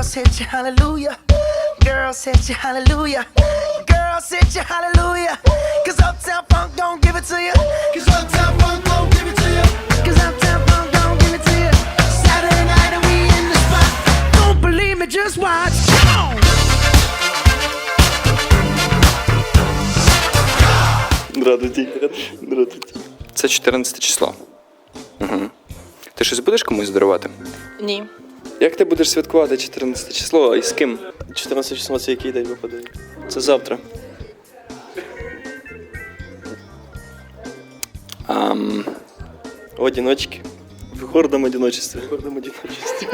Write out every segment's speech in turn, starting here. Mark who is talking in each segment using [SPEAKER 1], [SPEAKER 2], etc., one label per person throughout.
[SPEAKER 1] said you hallelujah. Girl said you hallelujah. Girl said you hallelujah. Cause Uptown Funk don't give it to you. Cause Uptown Funk don't give it to you. Cause Uptown Funk don't give it to you. Saturday night and we in the spot. Don't believe me, just watch. Come on.
[SPEAKER 2] Здравствуйте. Це 14 число. Угу. Ти щось будеш комусь дарувати?
[SPEAKER 3] Ні.
[SPEAKER 2] Як ти будеш святкувати 14 число і з ким?
[SPEAKER 4] 14 число це який день випадає? Це завтра. В одиночці. В гордом одиночестві. В гордом одиночестві.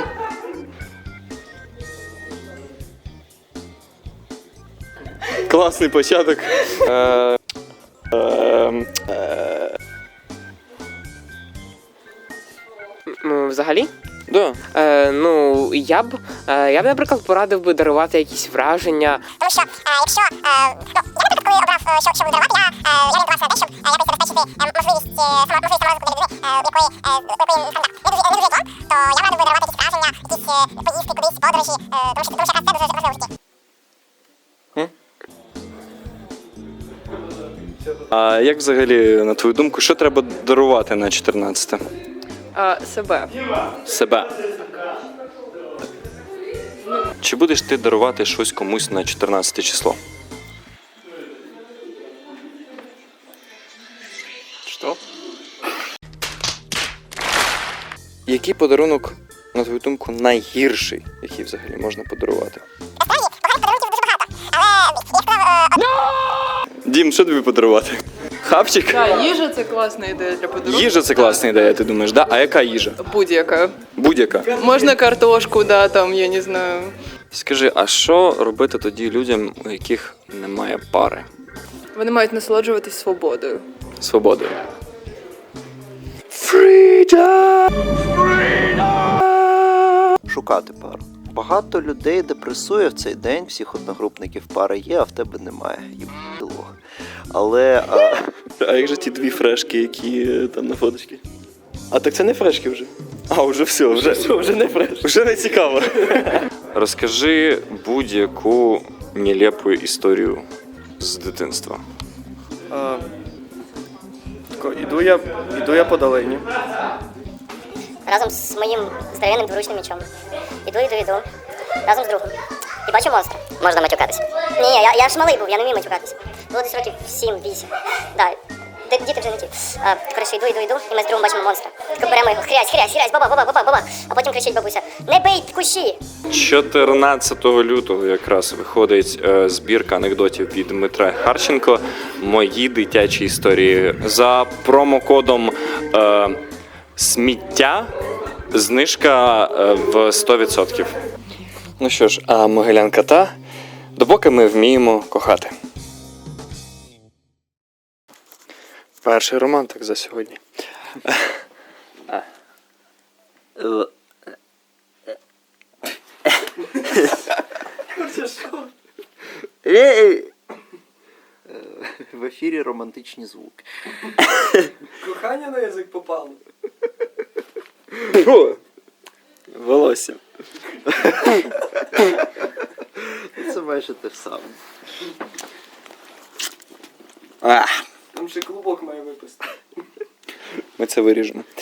[SPEAKER 2] Класний початок.
[SPEAKER 5] Взагалі?
[SPEAKER 2] Да.
[SPEAKER 5] Я б, наприклад, порадив би дарувати якісь враження.
[SPEAKER 6] Тому що, якщо, я, наприклад, коли обрав, що буду дарувати, я орієнтувався на те, щоб якось забезпечити можливість саморозвитку людини, якої не дуже то я радив би дарувати якісь враження, якісь поїздки кудись, подорожі, тому що це дуже важливо в житті.
[SPEAKER 2] А як взагалі, на твою думку, що треба дарувати на 14-те?
[SPEAKER 3] Себе.
[SPEAKER 2] Себе. Чи будеш ти дарувати щось комусь на 14 число? Що? Який подарунок, на твою думку, найгірший, який взагалі можна подарувати?
[SPEAKER 6] Насправді, поганих подарунків дуже багато, але я сказав,
[SPEAKER 2] Дім, що тобі подарувати? Хапчик?
[SPEAKER 3] Так, їжа це класна ідея для подарунку.
[SPEAKER 2] Їжа це класна ідея, ти думаєш, да? А яка їжа?
[SPEAKER 3] Будь-яка.
[SPEAKER 2] Будь-яка.
[SPEAKER 3] Можна картошку, да, там, я не знаю.
[SPEAKER 2] Скажи, а що робити тоді людям, у яких немає пари?
[SPEAKER 3] Вони мають насолоджуватись свободою.
[SPEAKER 2] Свободою.
[SPEAKER 7] Шукати пару. Багато людей депресує в цей день, всіх одногрупників пара є, а в тебе немає. Їбало. Але...
[SPEAKER 4] А як же ті дві фрешки, які там на фоточці? А так це не фрешки вже. А, вже все, вже не фрешки. Вже не цікаво.
[SPEAKER 2] Розкажи будь-яку нелепу історію з дитинства.
[SPEAKER 4] Іду я по долині.
[SPEAKER 6] разом з моїм здоровенним дворучним мечом. Іду, разом з другом. І бачу монстра. Можна матюкатися. Ні, я ж малий був, я не вмію матюкатися. Було десь років 7-8. Да, діти вже не ті. Коротше, йду, і ми з другом бачимо монстра. Так беремо його, хрясь, баба. А потім кричить бабуся: не бий кущі!
[SPEAKER 2] 14 лютого якраз виходить збірка анекдотів від Дмитра Харченко «Мої дитячі історії». За промокодом сміття знижка в 100%. Ну що ж, а Могилянка та, допоки ми вміємо кохати. Перший романтик за сьогодні.
[SPEAKER 7] В ефірі романтичні звуки.
[SPEAKER 4] Кохання на язик попало. Волосся.
[SPEAKER 7] Це майже те ж саме.
[SPEAKER 4] Там ще клубок має випасти.
[SPEAKER 2] Ми це виріжемо.